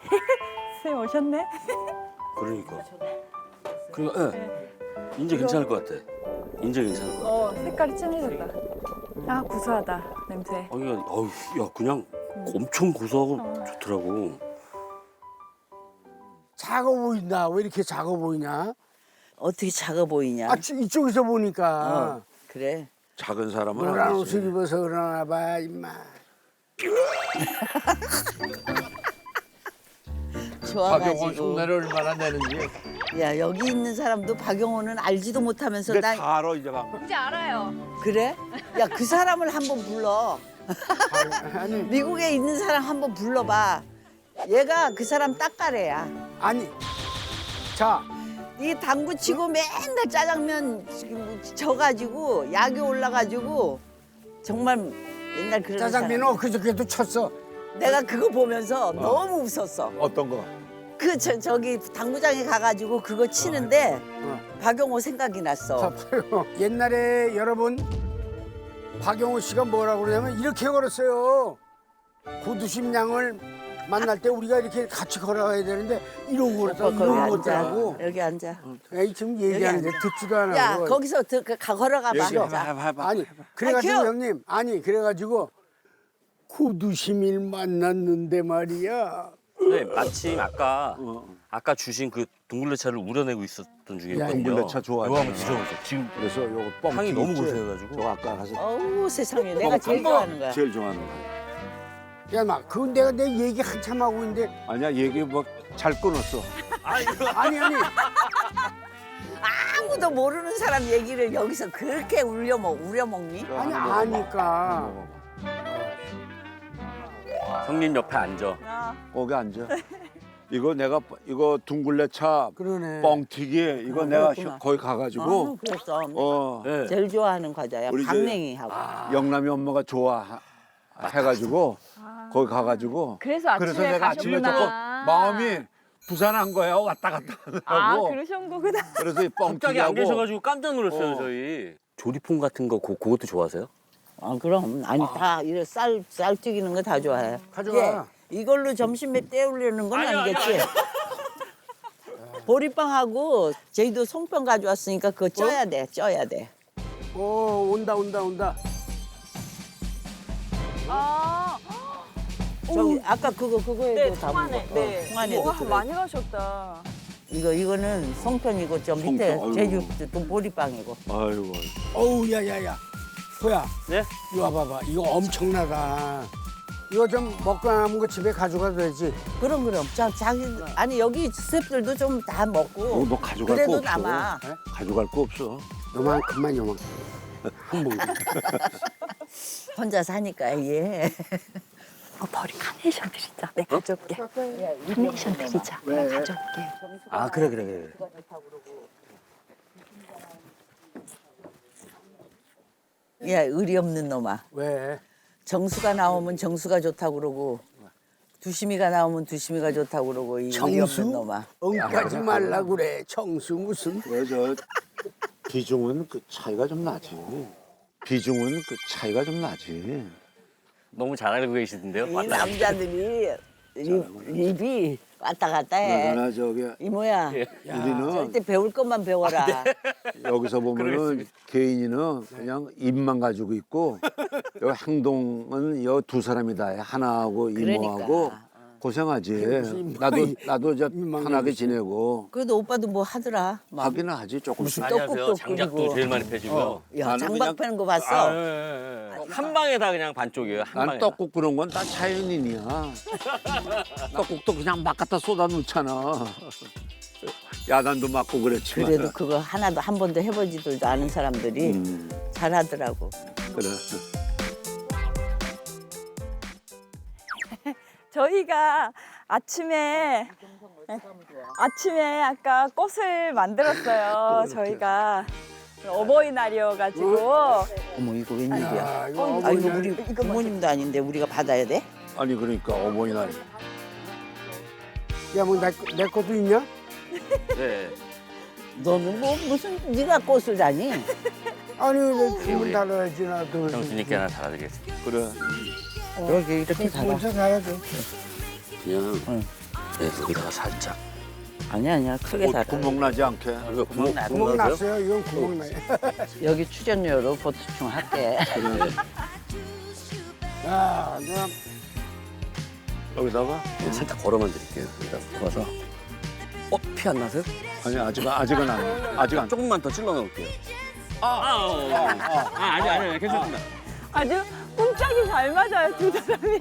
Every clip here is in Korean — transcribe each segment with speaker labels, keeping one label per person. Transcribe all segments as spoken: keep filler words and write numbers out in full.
Speaker 1: 선생님 오셨네?
Speaker 2: 그러니까. 그리고 예. 인제 괜찮을 것 같아. 인제 괜찮을 것 같아.
Speaker 1: 어, 색깔이 진해졌다. 아, 구수하다, 냄새.
Speaker 2: 아, 이거 어우, 야, 그냥 엄청 고소하고 좋더라고.
Speaker 3: 작아 보인다. 왜 이렇게 작아 보이냐?
Speaker 4: 어떻게 작아 보이냐?
Speaker 3: 아, 지- 이쪽에서 보니까
Speaker 4: 어, 그래.
Speaker 2: 작은 사람은
Speaker 3: 노란
Speaker 2: 아니지.
Speaker 3: 옷을 입어서 그러나 봐, 임마.
Speaker 5: 박영원
Speaker 4: 좋아가지고.
Speaker 5: 흉내를 얼마나 내는지.
Speaker 4: 야 여기 있는 사람도 박영호는 알지도 못하면서
Speaker 5: 근데
Speaker 4: 나
Speaker 5: 다 알아 이제 막.
Speaker 1: 이제 알아요.
Speaker 4: 그래? 야 그 사람을 한번 불러.
Speaker 3: 아니,
Speaker 4: 미국에 있는 사람 한번 불러봐. 얘가 그 사람 딱가래야.
Speaker 3: 아니. 자,
Speaker 4: 이 당구 치고 맨날 짜장면 지금 져가지고 약이 올라가지고 정말 옛날 그런
Speaker 3: 짜장면은
Speaker 4: 사람.
Speaker 3: 엊그저께도 쳤어.
Speaker 4: 내가 그거 보면서 너무 웃었어.
Speaker 5: 어떤 거?
Speaker 4: 그 저, 저기 당구장에 가가지고 그거 치는데
Speaker 3: 어.
Speaker 4: 박영호 생각이 났어.
Speaker 3: 봐봐요. 옛날에 여러분 박영호 씨가 뭐라고 그러냐면 이렇게 걸었어요. 고두심 양을 만날 때 우리가 이렇게 같이 걸어가야 되는데 이러고 걸었다.
Speaker 4: 거기
Speaker 3: 이러고
Speaker 4: 앉아.
Speaker 3: 걷더라고.
Speaker 4: 여기 앉아.
Speaker 3: 에이, 지금 얘기하는데
Speaker 4: 앉아.
Speaker 3: 듣지도 않아.
Speaker 4: 야 거기서 드, 가, 걸어가봐.
Speaker 5: 얘기해봐.
Speaker 4: 자.
Speaker 5: 해봐, 해봐.
Speaker 3: 아니 그래가지고
Speaker 4: 아, 귀여워.
Speaker 3: 형님 아니 그래가지고 고두심일 만났는데 말이야.
Speaker 2: 네, 마침 아까 아까 주신 그 동굴레차를 우려내고 있었던 중이거든요.
Speaker 5: 동굴레차 좋아하잖아.
Speaker 2: 이거 한번 드셔보세요. 지금
Speaker 5: 그래서 요거 뻥
Speaker 2: 향이
Speaker 5: 튀김
Speaker 2: 너무
Speaker 5: 있지?
Speaker 2: 고소해가지고.
Speaker 5: 저거 아까 가서
Speaker 4: 어우 세상에 내가 제일
Speaker 5: 뻥
Speaker 4: 좋아하는 거야.
Speaker 5: 제일 좋아하는 거야.
Speaker 3: 야 막 그건 내가 내 얘기 한참 하고 있는데
Speaker 5: 아니야 얘기 뭐 잘 끊었어.
Speaker 3: 아니 아니
Speaker 4: 아무도 모르는 사람 얘기를 여기서 그렇게 울려 먹 우려 먹니?
Speaker 3: 아니 아니까.
Speaker 2: 형님 옆에 앉아.
Speaker 5: 거기 앉아. 이거 내가 이거 둥글레차
Speaker 3: 그러네.
Speaker 5: 뻥튀기 이거 내가
Speaker 4: 그렇구나.
Speaker 5: 거기
Speaker 4: 어,
Speaker 5: 가가지고
Speaker 4: 그랬어.
Speaker 5: 어
Speaker 2: 네.
Speaker 4: 제일 좋아하는 과자야.
Speaker 5: 우리 저-
Speaker 4: 강냉이하고.
Speaker 5: 영남이 엄마가 좋아 해가지고 거기 가가지고
Speaker 1: 그래서 아침에
Speaker 5: 그래서 내가 아침에
Speaker 1: 가셨구나.
Speaker 5: 조금 마음이 부산한 거야 왔다 갔다
Speaker 1: 아,
Speaker 5: 하고
Speaker 1: 그러신 거구나.
Speaker 5: 그래서 이
Speaker 2: 갑자기 안
Speaker 5: 뻥튀기하고
Speaker 2: 계셔가지고 깜짝 놀랐어요,
Speaker 5: 어.
Speaker 2: 저희. 조리퐁 같은 거 그, 그것도 좋아하세요?
Speaker 4: 아 그럼 아니 다 이래 쌀쌀 튀기는 거 다 좋아해.
Speaker 3: 가져와.
Speaker 4: 예, 이걸로 점심에 때우려는 건 아니겠지? 보리빵하고 저희도 송편 가져왔으니까 그거 쪄야 돼, 쪄야 돼.
Speaker 3: 오 온다 온다 온다.
Speaker 1: 아,
Speaker 4: 저기 아까 그거 그거에도
Speaker 1: 네,
Speaker 4: 다
Speaker 1: 통안에.
Speaker 4: 먹어.
Speaker 1: 네.
Speaker 4: 어, 통안에도
Speaker 1: 와,
Speaker 4: 들어.
Speaker 1: 많이 가셨다.
Speaker 4: 이거 이거는 송편이고 저 밑에
Speaker 5: 송편,
Speaker 4: 제주
Speaker 5: 아이고.
Speaker 4: 또 보리빵이고.
Speaker 5: 아이고
Speaker 3: 어우 야야야. 호야.
Speaker 2: 네?
Speaker 3: 이리 와봐봐. 이거 엄청나다. 이거 좀 먹고 남은 거 집에 가져가도 되지?
Speaker 4: 그럼 그럼. 자 자기 아니 여기 스태프들도 좀 다
Speaker 5: 이거
Speaker 4: 먹고.
Speaker 5: 뭐 가져갈
Speaker 4: 그래도
Speaker 5: 거 없어.
Speaker 4: 남아.
Speaker 5: 에? 가져갈 거 없어.
Speaker 3: 요만큼만 요만. 한 봉지.
Speaker 4: 혼자 사니까 예.
Speaker 1: 어, 머리 카네이션 드리자. 네, 가져올게. 카네이션 드리자.
Speaker 3: 왜?
Speaker 1: 가져올게.
Speaker 2: 아, 그래, 그래, 그래.
Speaker 4: 야 의리 없는 놈아.
Speaker 3: 왜?
Speaker 4: 정수가 나오면 정수가 좋다고 그러고 두심이가 나오면 두심이가 좋다고 그러고 이 의리 없는
Speaker 3: 정수?
Speaker 4: 놈아.
Speaker 3: 엉까지 말라 그래. 정수 무슨?
Speaker 5: 왜 저 비중은 그 차이가 좀 나지. 비중은 그 차이가 좀 나지.
Speaker 2: 너무 잘 알고 계시던데요?
Speaker 4: 이
Speaker 2: 맞다.
Speaker 4: 남자들이 립, 립이 왔다 갔다 해.
Speaker 5: 나나 저기
Speaker 4: 이모야
Speaker 5: 우리는
Speaker 4: 절대 배울 것만 배워라.
Speaker 5: 여기서 보면은
Speaker 2: 그러겠습니다.
Speaker 5: 개인이는 그냥 입만 가지고 있고 여기 행동은 여 두 사람이다 해. 하나하고 이모하고
Speaker 4: 그러니까.
Speaker 5: 고생하지.
Speaker 3: 입만-
Speaker 5: 나도 나도 저
Speaker 3: 입만
Speaker 5: 편하게
Speaker 3: 가지고
Speaker 5: 지내고
Speaker 4: 그래도 오빠도 뭐 하더라. 막.
Speaker 5: 하기는 하지 조금씩.
Speaker 2: 안녕하세요.
Speaker 4: 떡국도
Speaker 2: 장작도
Speaker 4: 끓이고.
Speaker 2: 제일 많이 펴지고요.
Speaker 4: 야
Speaker 5: 나는
Speaker 4: 장박
Speaker 5: 그냥-
Speaker 4: 패는 거 봤어?
Speaker 2: 아, 예, 예, 예. 한 방에 다 그냥 반쪽이에요. 한
Speaker 5: 난
Speaker 2: 방에.
Speaker 5: 떡국 그런 건 다 자연인이야. 떡국도 그냥 막 갖다 쏟아 놓잖아. 야단도 맞고 그랬지만.
Speaker 4: 그래도 그거 하나도 한 번도 해보지도 않은 사람들이
Speaker 5: 음,
Speaker 4: 잘하더라고.
Speaker 5: 그래.
Speaker 1: 저희가 아침에 아침에 아까 꽃을 만들었어요. 저희가 어버이날이어가지고
Speaker 4: 어머 이거 웬일이야?
Speaker 3: 야, 이거
Speaker 4: 아 이거
Speaker 3: 어머니야.
Speaker 4: 우리 부모님도 아닌데 우리가 받아야 돼?
Speaker 5: 아니 그러니까 어머니날.
Speaker 3: 야, 뭐, 내, 내 것도 있냐?
Speaker 2: 네.
Speaker 4: 너는 뭐 무슨 네가 꽃을 다니?
Speaker 3: 아니, 내
Speaker 2: 우리-
Speaker 3: 주문 달아야지, 나도.
Speaker 2: 형수님께 하나 달아드리겠습니다.
Speaker 5: 그래.
Speaker 4: 여기 이렇게 달아.
Speaker 3: 혼자 가야 돼.
Speaker 5: 그냥
Speaker 4: 응.
Speaker 2: 네, 여기다가 살짝.
Speaker 4: 아니야 아니야 크게
Speaker 5: 어,
Speaker 4: 달아.
Speaker 5: 구멍 나지 않게.
Speaker 2: 이거 구멍
Speaker 4: 나-
Speaker 3: 구멍
Speaker 2: 났어요?
Speaker 3: 났어요. 이건 구멍 나요.
Speaker 4: 여기 출연료로 보충 할게.
Speaker 3: 야, 그냥
Speaker 5: 여기다가
Speaker 2: 네, 살짝 걸어만 드릴게요. 여기다 부어서. 어, 피 안 나세요?
Speaker 5: 아니 아직 아직은 안 아직 안.
Speaker 2: 조금만 더 찔러 넣을게요. 아, 아, 어, 어. 아, 아니, 아니, 아니, 괜찮습니다.
Speaker 1: 아주 꼼짝이 잘 맞아요, 두 사람이.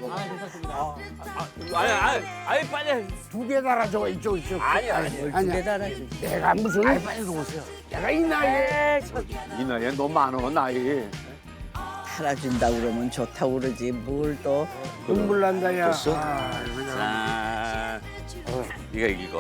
Speaker 2: 아니, 아니, 아니, 빨리.
Speaker 3: 두 개 달아줘 이쪽 이쪽.
Speaker 2: 아니, 아니.
Speaker 3: 아니야.
Speaker 4: 달아지.
Speaker 3: 내가 무슨? 아니 빨리 놓으세요. 내가 이 나이에
Speaker 5: 이 나이에 너 많어 나이.
Speaker 4: 달아준다 그러면 좋다고 그러지 뭘 또.
Speaker 3: 눈물 난다 야.
Speaker 2: 됐어?
Speaker 3: 아, 그냥.
Speaker 2: 자, 어, 이거 이거.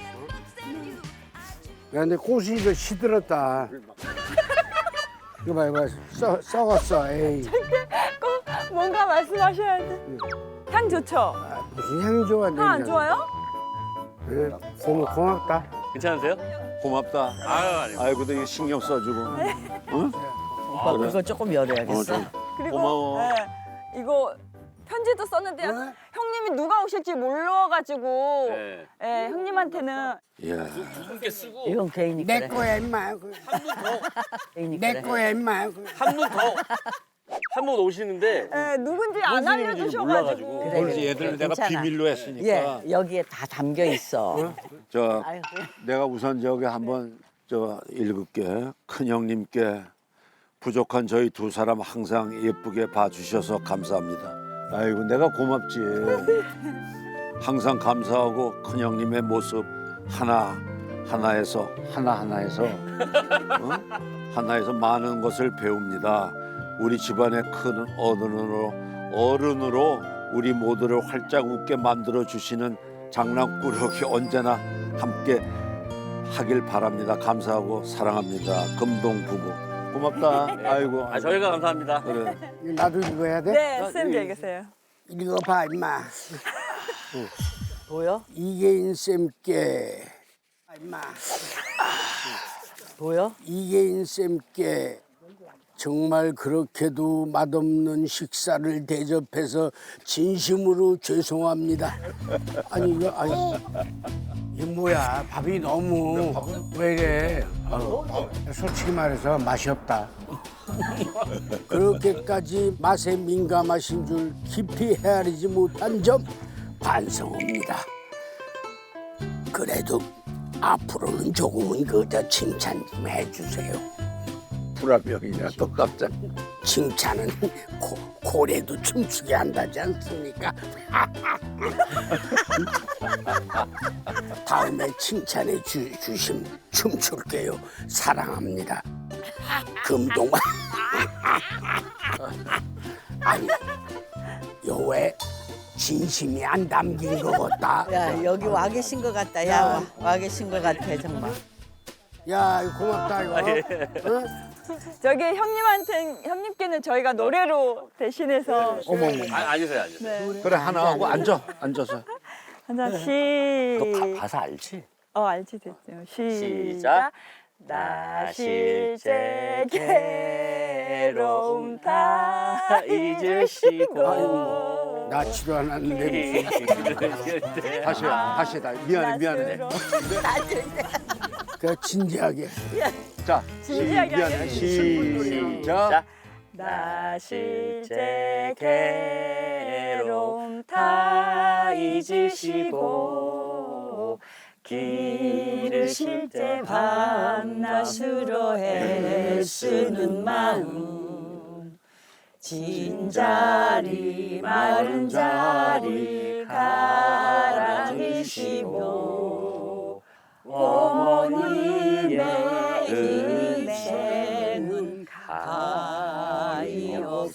Speaker 3: 야, 근데 꽃이 이거 시들었다. 이거 봐, 이거 써, 썩었어. 에이.
Speaker 1: 꼭 뭔가 말씀하셔야 돼. 향 좋죠?
Speaker 3: 아, 무슨 향이 좋아?
Speaker 1: 향 안 좋아요?
Speaker 3: 네, 고마, 고맙다.
Speaker 2: 괜찮으세요?
Speaker 5: 고맙다.
Speaker 2: 아유, 아니.
Speaker 5: 아이고, 너 이거 신경 써주고. 응?
Speaker 4: 오빠 그거 조금 열어야겠어.
Speaker 5: 어,
Speaker 1: 그리고
Speaker 5: 고마워.
Speaker 1: 네, 이거 편지도 썼는데 요
Speaker 3: 네?
Speaker 1: 형님이 누가 오실지 몰라가지고
Speaker 2: 네.
Speaker 1: 예, 형님한테는
Speaker 5: 이야.
Speaker 2: 함께 쓰고
Speaker 4: 이건 개인이
Speaker 3: 내
Speaker 4: 그래.
Speaker 3: 거야, 임마. 그,
Speaker 4: 개인이
Speaker 3: 내
Speaker 4: 그래.
Speaker 3: 거야, 임마. 그.
Speaker 2: 한 분 더. 한 분 오시는데
Speaker 1: 예, 누군지 안
Speaker 2: 무슨 일인지
Speaker 1: 알려주셔가지고
Speaker 2: 몰라가지고.
Speaker 4: 그래,
Speaker 5: 그렇지,
Speaker 4: 그래,
Speaker 5: 얘들은
Speaker 4: 그래,
Speaker 5: 내가
Speaker 4: 괜찮아.
Speaker 5: 비밀로 했으니까.
Speaker 4: 예, 여기에 다 담겨 있어.
Speaker 5: 저
Speaker 4: 아유, 그래.
Speaker 5: 내가 우선 저기 한번 저 읽을게. 큰 형님께 부족한 저희 두 사람 항상 예쁘게 봐주셔서 감사합니다. 아이고 내가 고맙지. 항상 감사하고 큰 형님의 모습 하나 하나에서 하나 하나에서 어? 하나에서 많은 것을 배웁니다. 우리 집안의 큰 어른으로 어른으로 우리 모두를 활짝 웃게 만들어 주시는 장난꾸러기 언제나 함께 하길 바랍니다. 감사하고 사랑합니다. 금동 부부. 고맙다. 아이고.
Speaker 2: 아, 저희가 감사합니다.
Speaker 5: 그래.
Speaker 3: 이거 나도 읽어야 돼?
Speaker 1: 네, 쌤 읽으세요.
Speaker 3: 읽어봐, 임마.
Speaker 4: 보여?
Speaker 3: 이계인 쌤께. 아, 임마.
Speaker 4: 보여?
Speaker 3: 이계인 쌤께 정말 그렇게도 맛없는 식사를 대접해서 진심으로 죄송합니다. 아니 이거 아니 이게 뭐야? 밥이 너무 왜 이래? 아유, 솔직히 말해서 맛이 없다. 그렇게까지 맛에 민감하신 줄 깊이 헤아리지 못한 점 반성합니다. 그래도 앞으로는 조금은 그저 칭찬 좀 해주세요.
Speaker 5: 불화병이냐 또 깜짝.
Speaker 3: 칭찬은 고, 고래도 춤추게 한다지 않습니까? 다음에 칭찬해 주, 주심 춤출게요. 사랑합니다. 금동. 아니, 요왜 진심이 안 담긴 것 같다.
Speaker 4: 야 여기 와 계신 것 같다. 야 와, 와 계신 것 같아 정말.
Speaker 3: 야, 이거 고맙다 이거. 응?
Speaker 1: 저기 형님한테 형님께는 저희가 노래로 대신해서
Speaker 5: 어머머.
Speaker 2: 아, 앉으세요, 앉으세요.
Speaker 1: 네.
Speaker 5: 그래 하나 하고 앉아 앉아서.
Speaker 1: 하나
Speaker 2: 너
Speaker 1: 시.
Speaker 2: 가, 가사 알지?
Speaker 1: 어 알지 됐죠.
Speaker 2: 시작.
Speaker 1: 시작. 나 실제 괴로움 다 잊으시고
Speaker 3: 나 치료 안 하는데 무슨.
Speaker 5: 다시 다시 다 미안해 미안해.
Speaker 3: 그 진지하게.
Speaker 5: 자
Speaker 1: 진지하게
Speaker 5: 미안해
Speaker 1: 하겠습니다.
Speaker 5: 시작.
Speaker 1: 나 실제 괴로움 다 잊으시고 길을 쉴 때 밤낮으로 애쓰는 마음 진자리 마른 자리 가라앉으시고 어머님의 인생은 가히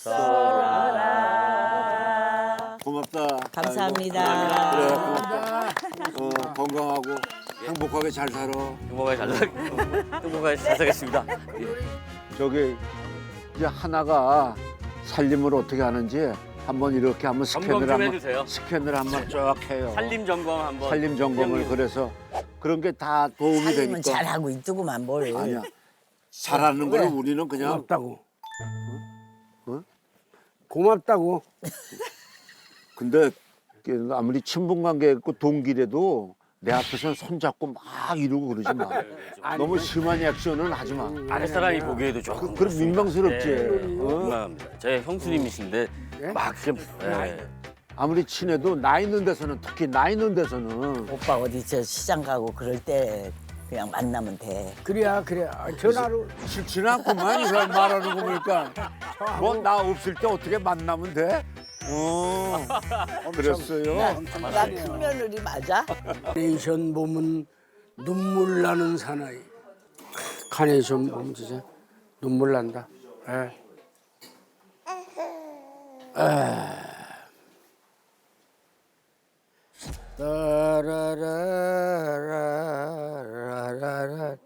Speaker 1: 없어라.
Speaker 5: 고맙다.
Speaker 4: 감사합니다.
Speaker 5: 그래 고맙다. 어, 건강하고 행복하게 잘 살아.
Speaker 2: 행복하게 잘 살, 행복하게 잘 살겠습니다. 예.
Speaker 5: 저기 이제 하나가 살림을 어떻게 하는지 한번 이렇게 한번
Speaker 2: 점검
Speaker 5: 스캔을
Speaker 2: 좀
Speaker 5: 한번
Speaker 2: 해주세요.
Speaker 5: 스캔을 한번 쫙 해요.
Speaker 2: 살림 점검 한번.
Speaker 5: 살림 점검을
Speaker 2: 형님.
Speaker 5: 그래서 그런 게 다 도움이
Speaker 4: 살림은
Speaker 5: 되니까.
Speaker 4: 잘하고 있더구만 뭘.
Speaker 5: 아니야. 잘하는 거는
Speaker 4: 왜?
Speaker 5: 우리는 그냥
Speaker 3: 고맙다고.
Speaker 5: 어?
Speaker 3: 고맙다고.
Speaker 5: 근데 그 아무리 친분 관계 있고 동기래도 내 앞에서는 손잡고 막 이러고 그러지 마. 너무 심한 액션은 하지 마.
Speaker 2: 아랫사람이 보기에도
Speaker 5: 그,
Speaker 2: 조금
Speaker 5: 그럼 민망스럽지.
Speaker 2: 네,
Speaker 5: 어?
Speaker 2: 민망합니다. 제 형수님이신데
Speaker 3: 네?
Speaker 2: 막 이렇게 예.
Speaker 5: 아무리 친해도 나 있는 데서는 특히 나 있는 데서는
Speaker 4: 오빠 어디 저 시장 가고 그럴 때 그냥 만나면 돼.
Speaker 3: 그래야 그래. 아, 전화로
Speaker 5: 싫지는 않구만 이 사람 말하는 거 보니까. 뭐 나 없을 때 어떻게 만나면 돼? 어, 그랬어요.
Speaker 4: 나 큰 며느리 맞아?
Speaker 3: 카네이션 보면 눈물 나는 사나이. 카네이션 보면 진짜 눈물 난다. 예. 따라라라라라라.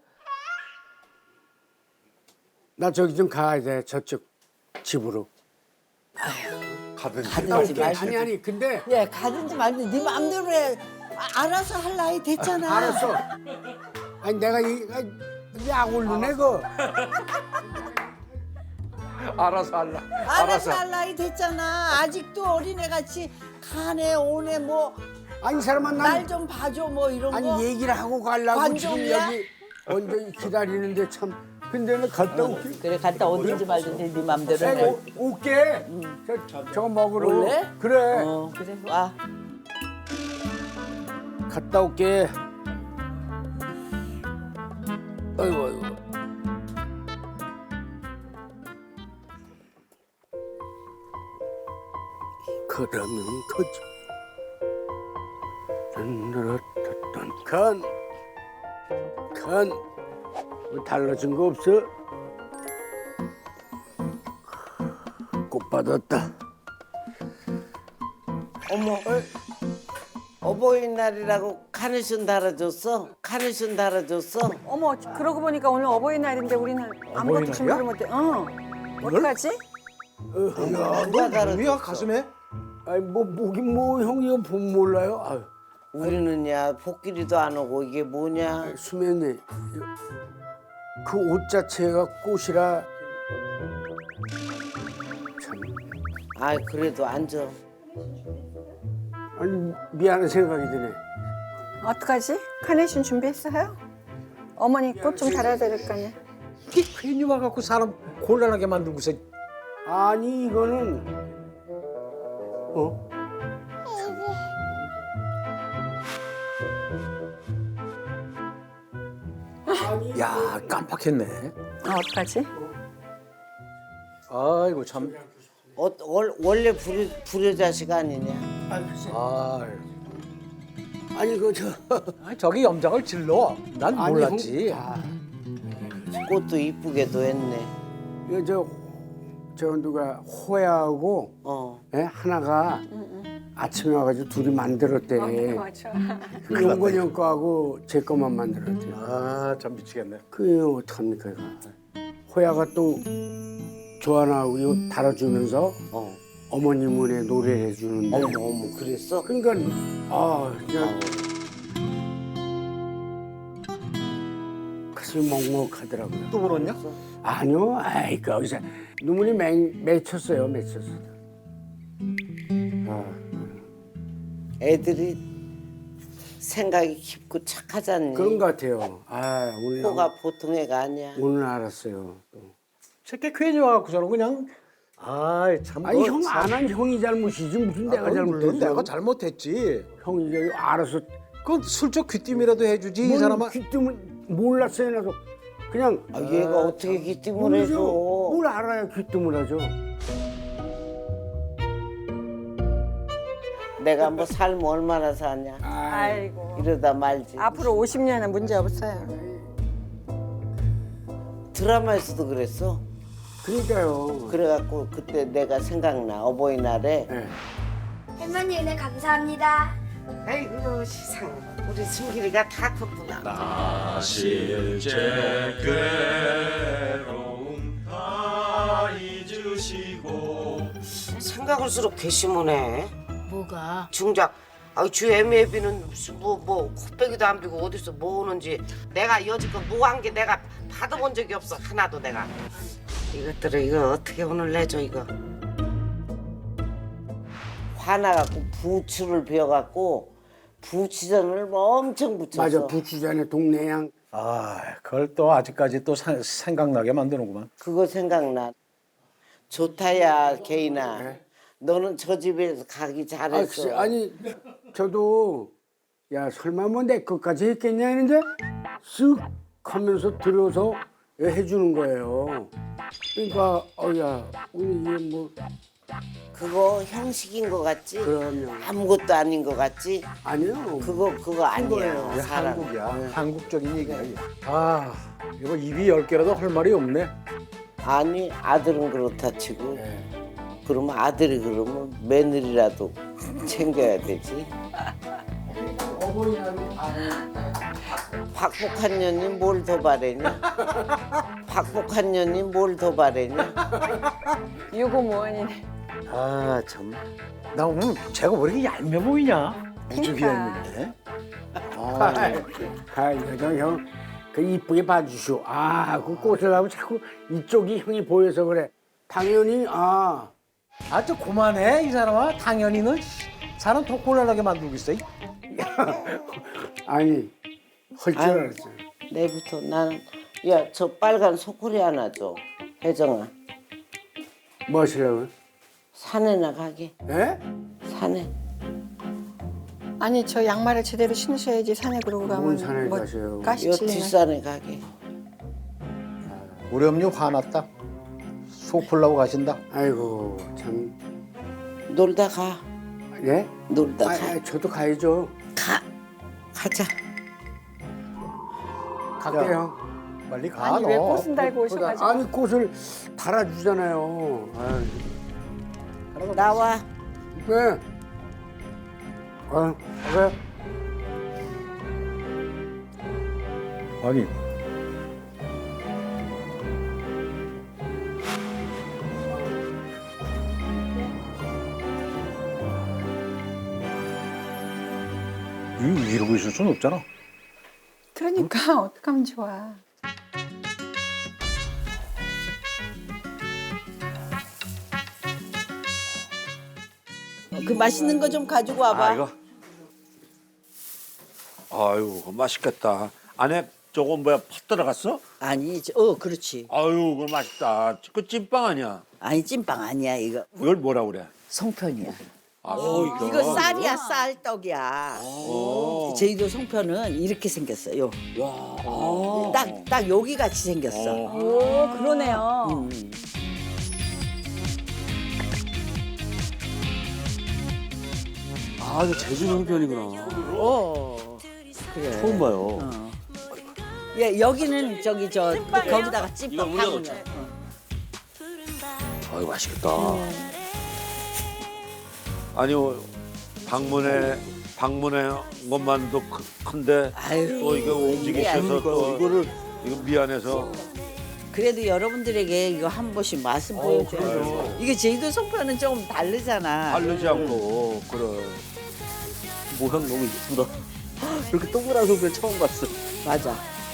Speaker 3: 나 저기 좀 가야 돼. 저쪽 집으로.
Speaker 5: 가든지.
Speaker 4: 가든지 말든지.
Speaker 3: 아니 아니 근데
Speaker 4: 예, 가든지 말든지 네 마음대로 해. 아, 알아서 할 나이 됐잖아.
Speaker 3: 알았어. 아니 내가 이 약 올르네 그.
Speaker 5: 알아서 할라.
Speaker 4: 알아서 할 나이 됐잖아. 아직도 어린애 같이 가네 오네 뭐 날
Speaker 3: 아니 이 사람은 난
Speaker 4: 좀 봐줘 뭐 이런
Speaker 3: 아니
Speaker 4: 거.
Speaker 3: 얘기를 하고 가려고 지금
Speaker 4: 관종이야?
Speaker 3: 여기 언제 기다리는데 참. 근데 는 갔다 올게.
Speaker 4: 그래 갔다 오든지 말든지 네 맘대로 해.
Speaker 3: 오, 올게. 저, 저거 먹으러.
Speaker 4: 올래?
Speaker 3: 그래.
Speaker 4: 어 그래 와.
Speaker 3: 갔다 올게. 아이고 아이고. 그러면 거지. 딴따라따딴 간. 간. 뭐 달라진 거 없어? 꽃 받았다.
Speaker 6: 어머, 어버이날이라고 카네이션 달아줬어? 카네이션 달아줬어?
Speaker 1: 어머, 그러고 보니까 오늘 어버이날인데 우리는 아무것도 준비를 못해. 어. 어떡하지?
Speaker 3: 야,
Speaker 6: 누가 달아줬어?
Speaker 7: 뭐야 가슴에?
Speaker 3: 아니 뭐 뭐긴 뭐 형이 이거 보면 몰라요. 아유,
Speaker 6: 우리는 야 복귀리도 안 오고 이게 뭐냐?
Speaker 3: 수면이 그 옷 자체가 꽃이라 참
Speaker 6: 아 그래도 앉아.
Speaker 3: 아니 미안한 생각이 드네.
Speaker 1: 어떡하지? 카네이션 준비했어요? 어머니 꽃 좀 달아야 될 거 아니야.
Speaker 7: 이게 괜히 와갖고 사람 곤란하게 만들고서
Speaker 3: 아니 이거는 어?
Speaker 7: 야 깜빡했네.
Speaker 1: 아, 어떡하지?
Speaker 7: 아이고 참.
Speaker 6: 어, 월, 원래 불효, 불효자식 아니냐?
Speaker 7: 아,
Speaker 3: 아니 그저
Speaker 7: 아니, 저기 염장을 질러. 난
Speaker 3: 아니,
Speaker 7: 몰랐지.
Speaker 3: 형, 아,
Speaker 6: 꽃도 이쁘게도 했네.
Speaker 3: 이거 저, 저 누가 호야하고
Speaker 6: 어.
Speaker 3: 예? 하나가 아침에 와가지고 둘이 만들었대.
Speaker 1: 맞아.
Speaker 3: 그 용건이 형 거하고 제 거만 만들었대.
Speaker 7: 아참 미치겠네.
Speaker 3: 그 어떡합니까 이거. 호야가 또 조하나하고 이거 달아주면서
Speaker 6: 어.
Speaker 3: 어머님은에 노래를 해주는데.
Speaker 6: 어머 어머 그랬어?
Speaker 3: 그러니까 아 그냥 가슴이 먹먹하더라고요.
Speaker 7: 또 울었냐?
Speaker 3: 아니요, 아이 거기서 눈물이 맹, 맺혔어요, 맺혔어. 아,
Speaker 6: 애들이 생각이 깊고 착하잖니.
Speaker 3: 그런 것 같아요. 아 오늘
Speaker 6: 코가 보통 애가 아니야.
Speaker 3: 오늘 알았어요. 또.
Speaker 7: 새끼 괜히 와갖고 저는 그냥 아이 참.
Speaker 3: 아니 형 안 한 형이 잘못이지 무슨 내가 잘못했어.
Speaker 7: 내가 잘못했지.
Speaker 3: 형이 이제 알아서
Speaker 7: 그건 슬쩍 귀띔이라도 해주지 이
Speaker 3: 뭘
Speaker 7: 사람아.
Speaker 3: 귀뜸을 몰랐어요 나도 그냥
Speaker 6: 아, 얘가 어떻게 기침을
Speaker 3: 모르죠.
Speaker 6: 해줘?
Speaker 3: 뭘 알아야 귀뜸을 하죠.
Speaker 6: 내가 뭐 삶 얼마나 사냐?
Speaker 1: 아이고.
Speaker 6: 이러다 말지.
Speaker 1: 앞으로 오십 년은 문제 없어요.
Speaker 6: 드라마에서도 그랬어.
Speaker 3: 그러니까요.
Speaker 6: 그래갖고 그때 내가 생각나 어버이날에.
Speaker 3: 네.
Speaker 8: 할머니 은혜 감사합니다.
Speaker 6: 아이고 세상 우리 승길이가 다 컸구나.
Speaker 9: 실제 괴로움 다 잊으시고
Speaker 6: 생각할수록 괘씸하네.
Speaker 8: 뭐가?
Speaker 6: 중작. 아, 주 애매비는 무슨 뭐뭐 코빼기도 안 비고 어디서 뭐 오는지 내가 여지껏 뭐 한 게 내가 받아본 적이 없어 하나도 내가. 이것들을 이거 어떻게 오늘 내줘 이거. 화나갖고 부추를 베어갖고 부추전을 엄청 붙였어.
Speaker 3: 맞아, 부추전에 동네양.
Speaker 7: 아, 그걸 또 아직까지 또 사- 생각나게 만드는구만.
Speaker 6: 그거 생각나. 좋다야 개인아.
Speaker 3: 네.
Speaker 6: 너는 저 집에서 가기
Speaker 3: 아,
Speaker 6: 잘했어.
Speaker 3: 글쎄, 아니 저도 야 설마 뭐 내 것까지 했겠냐 했는데 쓱 하면서 들어서 해주는 거예요. 그러니까 어야 우리 이게 뭐
Speaker 6: 그거 형식인 것 같지?
Speaker 3: 그럼요.
Speaker 6: 아무것도 아닌 것 같지?
Speaker 3: 아니요.
Speaker 6: 그거 그거 아니야.
Speaker 3: 거예요.
Speaker 7: 이게
Speaker 6: 사랑.
Speaker 7: 한국이야. 한국적인 얘기야. 이게. 아, 이거 입이 열 개라도 할 말이 없네.
Speaker 6: 아니 아들은 그렇다 치고
Speaker 3: 네.
Speaker 6: 그러면 아들이 그러면 며느리라도 챙겨야 되지. 박복한 년이 뭘 더 바래냐? 박복한 년이 뭘 더 바래냐?
Speaker 1: 유고무원이네.
Speaker 7: 아, 참. 나 오늘 제가 왜 이렇게 얄미워 보이냐? 무지
Speaker 1: 그러니까.
Speaker 7: 얄밉네.
Speaker 3: 아, 아, 이거 형, 그 이쁘게 봐주시오. 아, 그 꽃을 하면 자꾸 이쪽이 형이 보여서 그래. 당연히 아,
Speaker 7: 아, 저 그만해, 이 사람아. 당연히 너 사람 더 곤란하게 만들고 있어.
Speaker 3: 아니 헐 줄
Speaker 6: 아유.
Speaker 3: 알았어.
Speaker 6: 내부터 나는 야 저 빨간 소쿠리 하나 줘. 혜정아
Speaker 3: 뭐 하시려고요?
Speaker 6: 산에나 가게.
Speaker 3: 예?
Speaker 6: 산에.
Speaker 1: 아니 저 양말을 제대로 신으셔야지 산에 그러고 가면
Speaker 3: 뭔 산에
Speaker 1: 뭐
Speaker 3: 가세요?
Speaker 1: 가시
Speaker 6: 요
Speaker 1: 찔리나.
Speaker 6: 뒷산에 가게.
Speaker 7: 우리 엄니 화났다. 속 풀라고 가신다.
Speaker 3: 아이고 참.
Speaker 6: 놀다 가.
Speaker 3: 예?
Speaker 6: 놀다
Speaker 3: 아,
Speaker 6: 가.
Speaker 3: 아, 저도 가야죠.
Speaker 6: 가. 가자.
Speaker 3: 갈게요.
Speaker 7: 빨리 가,
Speaker 1: 아니
Speaker 7: 너.
Speaker 1: 왜 꽃은 달고 오셔가지고.
Speaker 3: 아니 꽃을 달아주잖아요. 아유.
Speaker 6: 나와.
Speaker 3: 네. 아, 그래.
Speaker 7: 아니. 이- 이러고 있을 수는 없잖아.
Speaker 1: 그러니까 어떡하면 좋아.
Speaker 4: 그 맛있는 거 좀 가지고 와봐.
Speaker 5: 아 이거. 아유, 그거 맛있겠다. 안에 저건 뭐야 팥 들어갔어?
Speaker 4: 아니, 저- 어, 그렇지.
Speaker 5: 아유, 그거 맛있다. 그 찐빵 아니야?
Speaker 4: 아니 찐빵 아니야 이거.
Speaker 5: 이걸 뭐라 그래?
Speaker 4: 송편이야.
Speaker 5: 아, 어, 이거.
Speaker 4: 이거 쌀이야 쌀떡이야. 제주도 송편은 이렇게 생겼어요. 딱 딱 여기 같이 생겼어.
Speaker 1: 오 그러네요.
Speaker 4: 음.
Speaker 2: 아, 이거 제주 형편이구나.
Speaker 4: 어. 그래.
Speaker 2: 처음 봐요.
Speaker 4: 어. 예, 여기는 저기 저 거기다가 찐빵
Speaker 2: 이거 올려놓자.
Speaker 4: 파는 거.
Speaker 2: 아, 이거 맛있겠다.
Speaker 5: 아니 방문해 방문해 것만도 크- 큰데
Speaker 4: 아유,
Speaker 5: 또 이거 움직이셔서 또
Speaker 2: 이거를
Speaker 5: 이거 미안해서
Speaker 4: 그래도 여러분들에게 이거 한 번씩 맛을 보여줘요. 이게 제주도 송편은 조금 다르잖아.
Speaker 5: 바르지 않고 그래.
Speaker 2: 모양 너무 이쁘다. 이렇게 동그란 소변 처음 봤어.
Speaker 4: 맞아.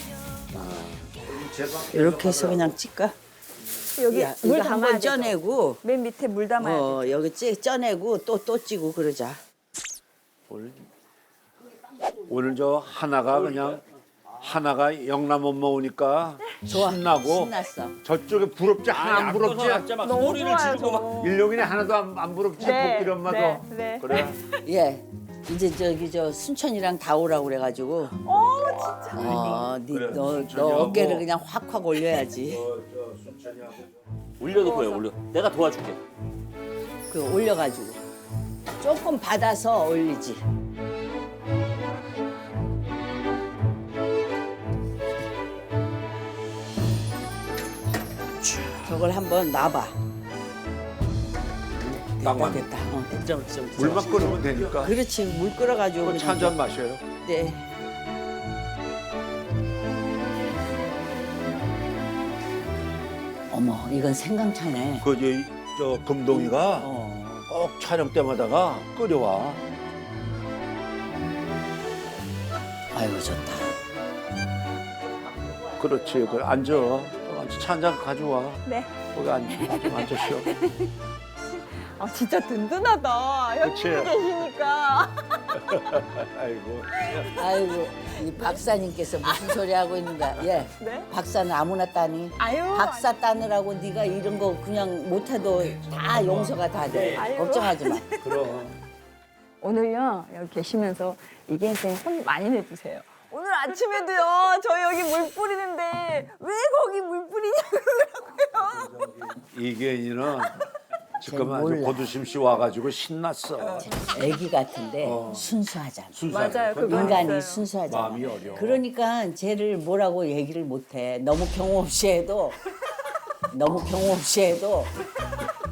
Speaker 4: 이렇게 해서 그냥 찔까?
Speaker 1: 여기
Speaker 4: 야,
Speaker 1: 물
Speaker 4: 이거
Speaker 1: 담아야
Speaker 4: 한번
Speaker 1: 돼.
Speaker 4: 쪄내고,
Speaker 1: 맨 밑에 물 담아야 돼.
Speaker 4: 어 여기 찌 쪄내고 또 또 찌고 그러자.
Speaker 5: 오늘 오늘 저 하나가 그냥 하나가 영남 엄마 오니까
Speaker 4: 좋아.
Speaker 5: 신나고
Speaker 4: 신났어.
Speaker 5: 저쪽에 부럽지 하나 안 부럽지?
Speaker 2: 막
Speaker 1: 너무
Speaker 2: 소리를 지르고 막.
Speaker 1: 좋아요.
Speaker 5: 일용이네 하나도 안, 안 부럽지?
Speaker 1: 네,
Speaker 5: 복길 엄마도
Speaker 1: 네, 네.
Speaker 5: 그래.
Speaker 4: 예. 이제 저기 저 순천이랑 다 오라고 그래가지고. 어 진짜. 어, 니,
Speaker 5: 그래,
Speaker 4: 너,
Speaker 5: 순천이하고.
Speaker 4: 너 어깨를 그냥 확확 올려야지.
Speaker 2: 올려놓고 해, 올려. 내가 도와줄게.
Speaker 4: 그 올려가지고 조금 받아서 올리지. 저걸 한번 놔봐. 됐다
Speaker 5: 땅만
Speaker 4: 됐다. 어, 됐다.
Speaker 2: 진짜, 진짜.
Speaker 5: 물만 끓으면 되니까.
Speaker 4: 그렇지 물 끓여가지고.
Speaker 5: 차 한 잔 마셔요.
Speaker 4: 네. 어머 이건 생강차네.
Speaker 5: 그 저 금동이가
Speaker 4: 어.
Speaker 5: 꼭 촬영 때마다가 끓여와.
Speaker 4: 아이고 좋다.
Speaker 5: 그렇지. 그래 앉아. 앉아 차 한 잔 가져와.
Speaker 1: 네.
Speaker 5: 거기 앉아. 좀 앉아 쉬어.
Speaker 1: 아 진짜 든든하다.
Speaker 5: 그치?
Speaker 1: 형님이 계시니까.
Speaker 5: 아이고.
Speaker 4: 아이고 이 박사님께서 무슨 소리 하고 있는가? 예.
Speaker 1: 네?
Speaker 4: 박사는 아무나 따니.
Speaker 1: 아유.
Speaker 4: 박사 따느라고 네가 이런 거 그냥 못해도 다 용서가 다 돼.
Speaker 1: 아이고.
Speaker 4: 걱정하지 마.
Speaker 5: 그럼.
Speaker 1: 오늘요 여기 계시면서 이게 혼 많이 내주세요. 오늘 아침에도요 저 여기 물 뿌리는데 왜 거기 물 뿌리냐고 그러고요.
Speaker 5: 이계인이는 지금 아주
Speaker 4: 몰라.
Speaker 5: 고두심 씨 와가지고 신났어.
Speaker 4: 애기 같은데
Speaker 5: 어.
Speaker 4: 순수하잖아.
Speaker 5: 순수하게.
Speaker 1: 맞아요, 그거
Speaker 4: 인간이
Speaker 1: 있어요.
Speaker 4: 순수하잖아.
Speaker 5: 마음이 어려.
Speaker 4: 그러니까 쟤를 뭐라고 얘기를 못해. 너무 경험 없이 해도 너무 경험 없이 해도